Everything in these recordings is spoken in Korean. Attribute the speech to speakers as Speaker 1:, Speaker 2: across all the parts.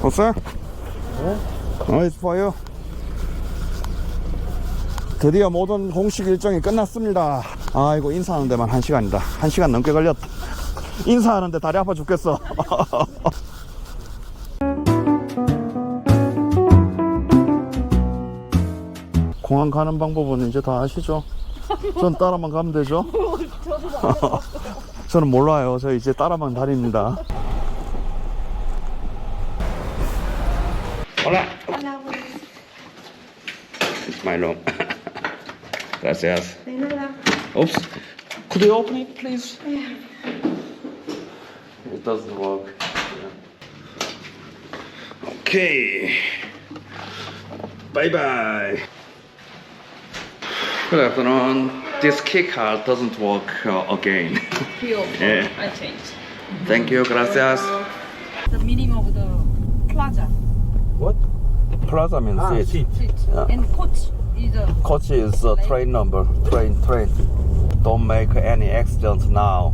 Speaker 1: sir? Oh, it's for you. 드디어 모든 공식 일정이 끝났습니다. 아이고, 인사하는 데만 1시간이다. 1시간 넘게 걸렸다. 인사하는데 다리 아파 죽겠어. 공항 가는 방법은 이제 다 아시죠? 전 따라만 가면 되죠? 저는 몰라요. 저 이제 따라만 다닙니다. Hola. It's my room. Gracias.
Speaker 2: De nada.
Speaker 1: Oops. Could you open it, please? It doesn't work. Okay. Bye bye. Good afternoon. This key card doesn't work again. Yeah.
Speaker 2: I changed.
Speaker 1: Thank you. Gracias.
Speaker 2: The meaning of the plaza.
Speaker 3: What?
Speaker 1: Plaza means seat.
Speaker 3: Seat.
Speaker 2: Seat.
Speaker 1: Yeah.
Speaker 2: And coach is a
Speaker 1: Coach is a train number. Train. Don't make any accident now.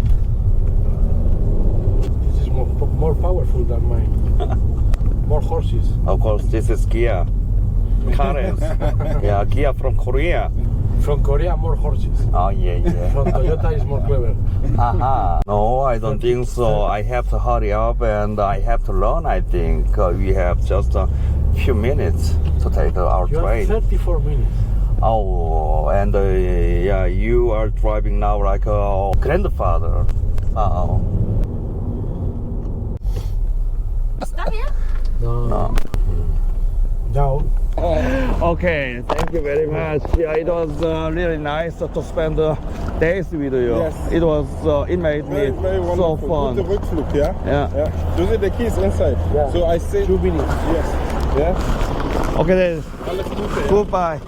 Speaker 3: This is more powerful than mine. More horses.
Speaker 1: Of course, this is Kia. Cars. Yeah, Kia from Korea.
Speaker 3: From Korea, more horses.
Speaker 1: Oh, yeah.
Speaker 3: From Toyota is more clever.
Speaker 1: Aha. No, I don't think so. I have to hurry up and I have to learn, I think. We have just a few minutes to take our
Speaker 3: You have
Speaker 1: train.
Speaker 3: 34 minutes.
Speaker 1: Oh, and yeah, you are driving now like a grandfather. Oh.
Speaker 2: stop here.
Speaker 1: No.
Speaker 3: Now,
Speaker 1: Okay, thank you very much. Yeah, it was really nice to spend days with you.
Speaker 4: Yes.
Speaker 1: It made me
Speaker 4: Very
Speaker 1: so
Speaker 4: wonderful.
Speaker 1: fun.
Speaker 4: Gute Rückflug, yeah?
Speaker 1: Yeah.
Speaker 4: Yeah. Those are the keys inside.
Speaker 3: Yeah.
Speaker 4: So I say
Speaker 3: 2 minutes.
Speaker 4: yes. Yeah.
Speaker 1: Okay, then.
Speaker 4: Alles Gute. Ja.
Speaker 1: Goodbye.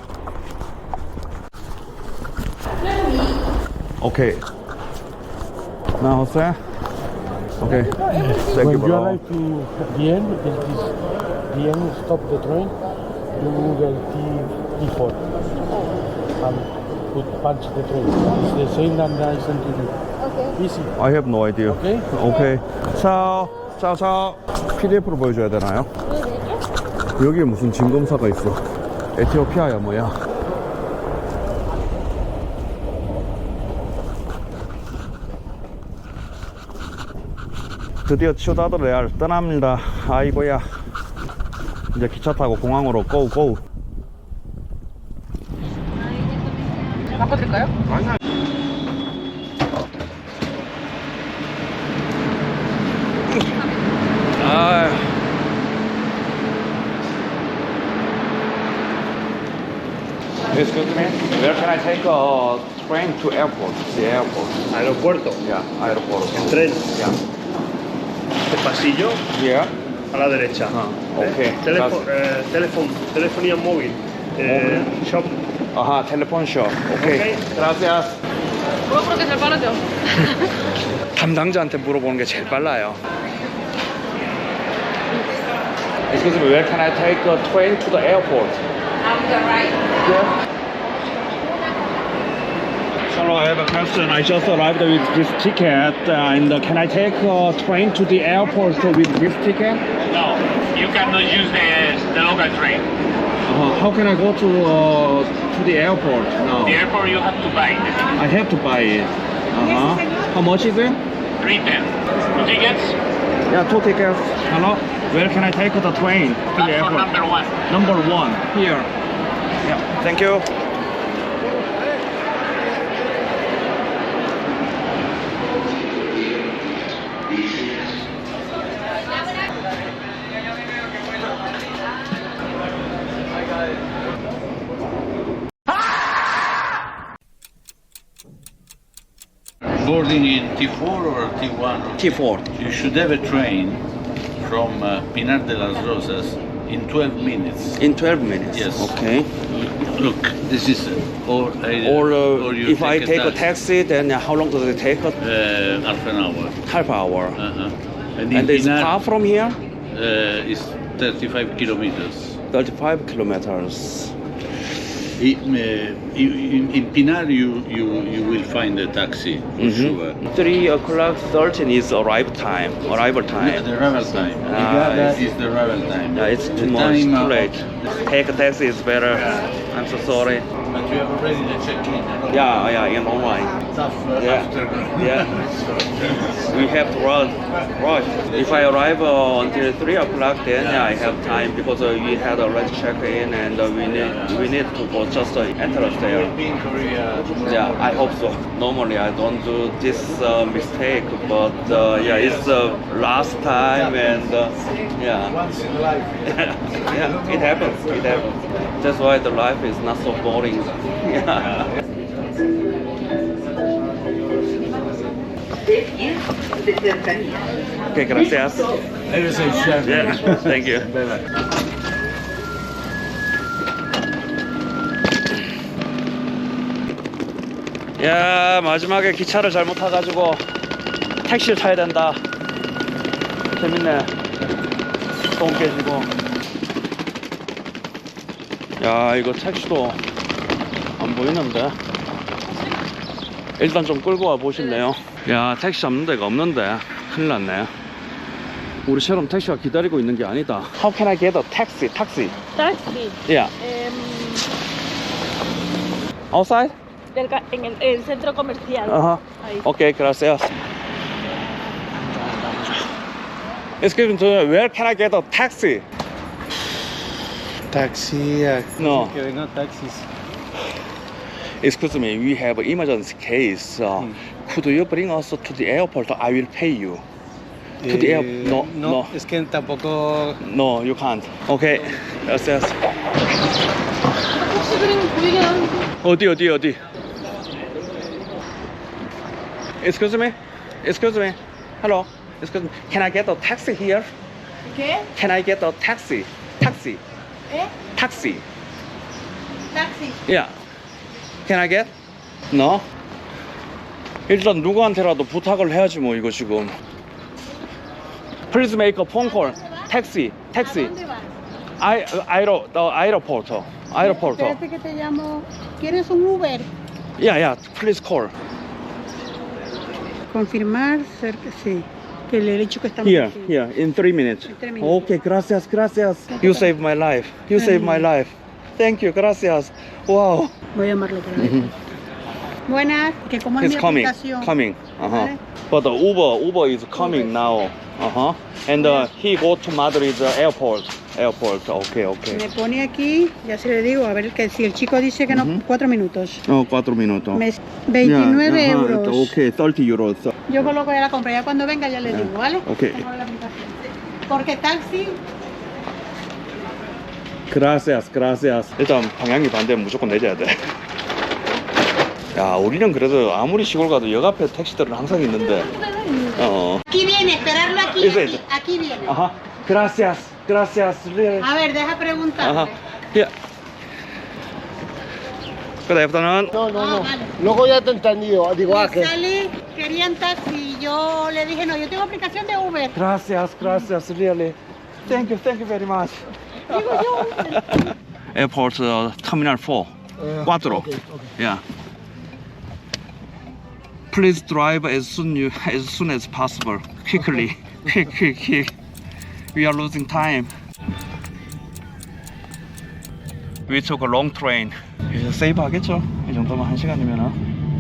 Speaker 1: Okay. Now, sir. Okay. Thank
Speaker 3: When
Speaker 1: you,
Speaker 3: you
Speaker 1: bro.
Speaker 3: arrive to the end, the end, stop the train, you Google T4 and punch the train. It's the same that I sent to you. Okay. Easy.
Speaker 1: I have no idea.
Speaker 3: Okay?
Speaker 1: Okay. 차오. PDF로 보여줘야 되나요? 여기에 무슨 진검사가 있어. 에티오피아야 뭐야. 드디어 치우다드 레알 떠납니다. 아이고야. 이제 기차 타고 공항으로 고고.
Speaker 2: 바꿔드릴까요?
Speaker 1: 아. Excuse me. Where can I take a train to airport? The airport.
Speaker 5: Aeropuerto,
Speaker 1: Yeah, airport.
Speaker 5: tren,
Speaker 1: Yeah.
Speaker 5: este pasillo
Speaker 1: Yeah.
Speaker 5: a la derecha.
Speaker 1: okay.
Speaker 5: Telefonía móvil, shop.
Speaker 1: 아하, 텔레폰 숍. 오케이.
Speaker 5: 오케이.
Speaker 1: Gracias.
Speaker 2: 물어보는 게 제일 빠르죠.
Speaker 1: 담당자한테 물어보는 게 제일 빨라요. Excuse me, where can I take a train to the airport?
Speaker 2: On the right.
Speaker 1: Yeah. Hello, I have a question. I just arrived with this ticket, and can I take a train to the airport with this ticket?
Speaker 6: No, you cannot use the local train.
Speaker 1: How can I go to the airport now?
Speaker 6: The airport you have to buy the ticket.
Speaker 1: I have to buy it. How much is it?
Speaker 6: 310. 2 tickets.
Speaker 1: Yeah, 2 tickets. Hello, where can I take the train to the
Speaker 6: That's for
Speaker 1: airport?
Speaker 6: number 1.
Speaker 1: Number 1 here. Yeah, thank you.
Speaker 7: Boarding in T4 or T1?
Speaker 1: T4.
Speaker 7: You should have a train from Pinar de las Rosas in 12 minutes.
Speaker 1: In 12 minutes.
Speaker 7: Yes.
Speaker 1: Okay.
Speaker 7: Look, this is or you
Speaker 1: if I take a taxi, then how long does it take?
Speaker 7: half an hour.
Speaker 1: Half hour.
Speaker 7: And
Speaker 1: And it's far from here?
Speaker 7: is 35 kilometers.
Speaker 1: 35 kilometers.
Speaker 7: In Pinar, you will find a taxi for sure.
Speaker 1: 3 o'clock 13 is arrival time. Arrival time.
Speaker 7: The arrival time. Is the arrival time.
Speaker 1: It's
Speaker 7: The
Speaker 1: too much,
Speaker 7: time
Speaker 1: too
Speaker 7: of-
Speaker 1: late. Take a taxi is better. I'm so sorry.
Speaker 7: But you have already the check-in.
Speaker 1: Yeah, in online.
Speaker 7: Tough
Speaker 1: Yeah.
Speaker 7: after.
Speaker 1: Yeah. We have to rush. If I arrive until 3 o'clock, then I have time because we had already checked in and we need to go just enter there.
Speaker 7: Be in Korea.
Speaker 1: Yeah, I hope so. Normally I don't do this mistake, but yeah, it's last time and yeah.
Speaker 7: Once in life.
Speaker 1: Yeah, it happens. It happens. That's why the life is not so boring. Yeah. Okay, gracias. Yeah, thank you. 야, 마지막에 기차를 잘못 타가지고 택시를 타야 된다. 재밌네. 똥 깨지고. 야, 이거 택시도 안 보이는데. 일단 좀 끌고 와 보실래요? 야, 택시 잡는 데가 없는데. 큰일 났네. 우리처럼 택시가 기다리고 있는 게 아니다. How can I get a taxi? Taxi?
Speaker 2: Taxi.
Speaker 1: Yeah. Outside?
Speaker 2: En el centro comercial.
Speaker 1: Uh-huh.
Speaker 2: Ahí.
Speaker 1: Okay, gracias. Excuse me, where can I get a taxi?
Speaker 3: Taxi,
Speaker 1: No.
Speaker 3: que vengan taxis.
Speaker 1: Excuse me, we have an emergency case. Could you bring us to the airport? I will pay you. To the air? No.
Speaker 3: Es que tampoco.
Speaker 1: No, you can't. Okay, gracias.
Speaker 2: 혹시 그림 보이긴 하는데.
Speaker 1: 어디? Excuse me? Excuse me? Hello? Excuse me? Can I get a taxi here?
Speaker 2: ¿Qué?
Speaker 1: Can I get a taxi? Taxi.
Speaker 2: ¿Eh?
Speaker 1: Taxi.
Speaker 2: Taxi.
Speaker 1: Yeah. Can I get? No? 일단 누구한테라도 부탁을 해야지 뭐 이거 지금. Please make a phone call. Taxi. Taxi.
Speaker 2: ¿Dónde vas?
Speaker 1: Aeroporto.
Speaker 2: Espérate que te llamo. ¿Quieres un Uber?
Speaker 1: Yeah. Please call.
Speaker 2: Confirmar, sí. Que le he dicho que estamos
Speaker 1: Here,
Speaker 2: aquí.
Speaker 1: here, in 3 minutes.
Speaker 2: In 3 minutes.
Speaker 1: Okay, gracias. You saved my life. You saved my life. Thank you, gracias. Wow.
Speaker 2: Voy a llamarlo otra vez. Buenas, que como es
Speaker 1: He's
Speaker 2: mi
Speaker 1: coming.
Speaker 2: aplicación.
Speaker 1: Coming.
Speaker 2: Vale.
Speaker 1: But the Uber is coming now. And he go to Madrid airport. Okay.
Speaker 2: Me pone aquí, ya se le digo, a ver, que si el chico dice que no, 4 minutos.
Speaker 1: Oh, 4 minutos.
Speaker 2: 29 euros.
Speaker 1: Okay, 30 euros.
Speaker 2: Yo coloco ya la compra, ya cuando venga ya le digo, ¿vale?
Speaker 1: Ok.
Speaker 2: Pongo la aplicación. Porque taxi,
Speaker 1: Gracias. 일단 방향이 반대면 무조건 내려야 돼. 야, 우리는 그래도 아무리 시골 가도 역 앞에 택시들은 항상 있는데.
Speaker 2: aquí viene, esperarlo aquí,
Speaker 1: Ese.
Speaker 2: aquí viene.
Speaker 1: Ajá. Gracias. Really.
Speaker 2: A ver, deja preguntarle.
Speaker 1: Ajá. Yeah. Good afternoon.
Speaker 3: No.
Speaker 2: Vale.
Speaker 3: Luego ya te he entendido. Digo,
Speaker 2: Me sale, querían taxi, yo le dije, no, yo tengo aplicación de Uber.
Speaker 1: Gracias, really. Thank you very much.
Speaker 2: Digo yo, Uber.
Speaker 1: Airport Terminal 4. 4.
Speaker 3: Okay.
Speaker 1: Yeah. Please drive as soon as possible. Quickly. Quick. We are losing time. We took a long train. 이제 세이브 하겠죠? 이 정도면 1시간이면은.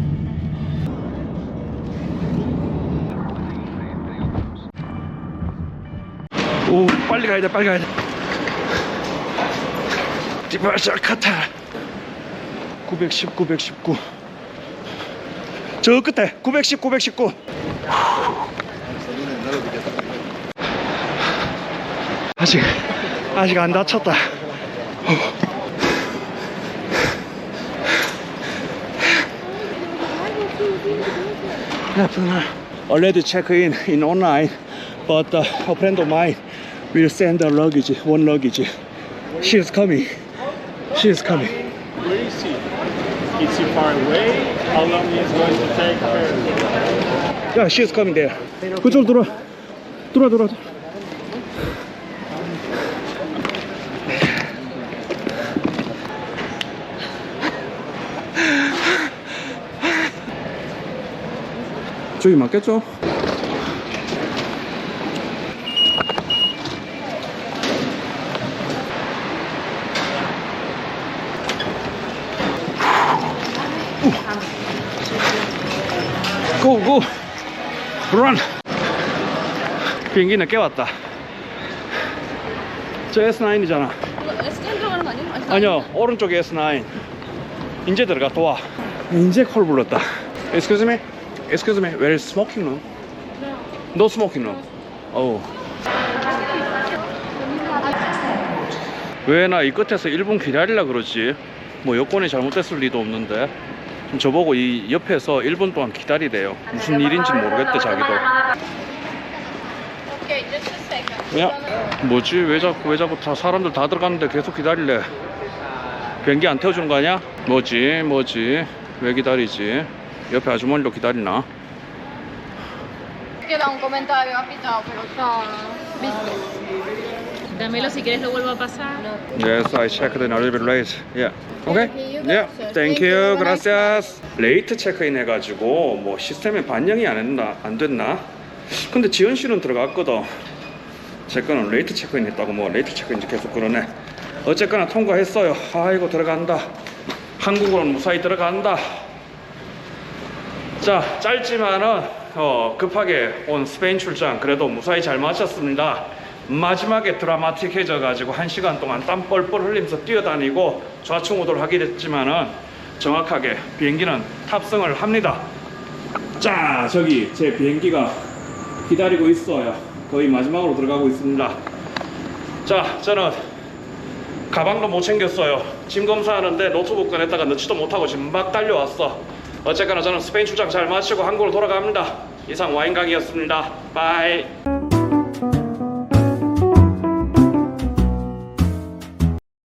Speaker 1: 오, 빨리 가야 돼. 디바샤 카타. 919. 저 끝에 919. 아직 안 다쳤다. Already check in online, but a friend of mine will send one luggage. She is coming.
Speaker 5: Where is he? Is he far away? How long is going to take her?
Speaker 1: Yeah, she is coming there. 그쪽으로 들어와. 저기 맞겠죠? 고고 런. 비행기 늦게 왔다. 저 S9이잖아.
Speaker 8: S10 들어가는 거 아니야?
Speaker 1: 아니요, 오른쪽에 S9. 이제 들어가 도와. 이제 콜 불렀다. Excuse me, excuse me, where is smoking room? No smoking room. Oh. 왜 나 이 끝에서 1분 기다리려 그러지? 뭐 여권이 잘못됐을 리도 없는데. 저보고 이 옆에서 1분 동안 기다리래요. 무슨 일인지 모르겠대 자기도.
Speaker 8: Okay, just a second.
Speaker 1: 야, 뭐지? 왜 자꾸 다 사람들 다 들어갔는데 계속 기다릴래? 비행기 안 태워주는 거 아니야? 뭐지? 왜 기다리지? 옆에 아주머니도 기다리나?
Speaker 8: Queda un comentario apitado, pero está visto.
Speaker 9: Dámelo si quieres, lo vuelvo a pasar.
Speaker 1: Yes, I checked in a little bit late. Yeah. Okay. Yeah. Thank you. Gracias. 레이트 체크인 해가지고 뭐 시스템에 반영이 안 됐나? 근데 지현 씨는 들어갔거든. 제 거는 레이트 체크인 했다고 뭐 레이트 체크인지 계속 그러네. 어쨌거나 통과했어요. 아이고 들어간다. 한국으로는 무사히 들어간다. 자, 짧지만은 급하게 온 스페인 출장 그래도 무사히 잘 마쳤습니다. 마지막에 드라마틱해져 가지고 1시간 동안 땀 뻘뻘 흘리면서 뛰어다니고 좌충우돌 하게 됐지만은 정확하게 비행기는 탑승을 합니다. 자, 저기 제 비행기가 기다리고 있어요. 거의 마지막으로 들어가고 있습니다. 자, 저는 가방도 못 챙겼어요. 짐 검사하는데 노트북 꺼냈다가 넣지도 못하고 지금 막 달려왔어. 어쨌거나 저는 스페인 출장 잘 마치고 한국으로 돌아갑니다. 이상 와인강이었습니다. 바이.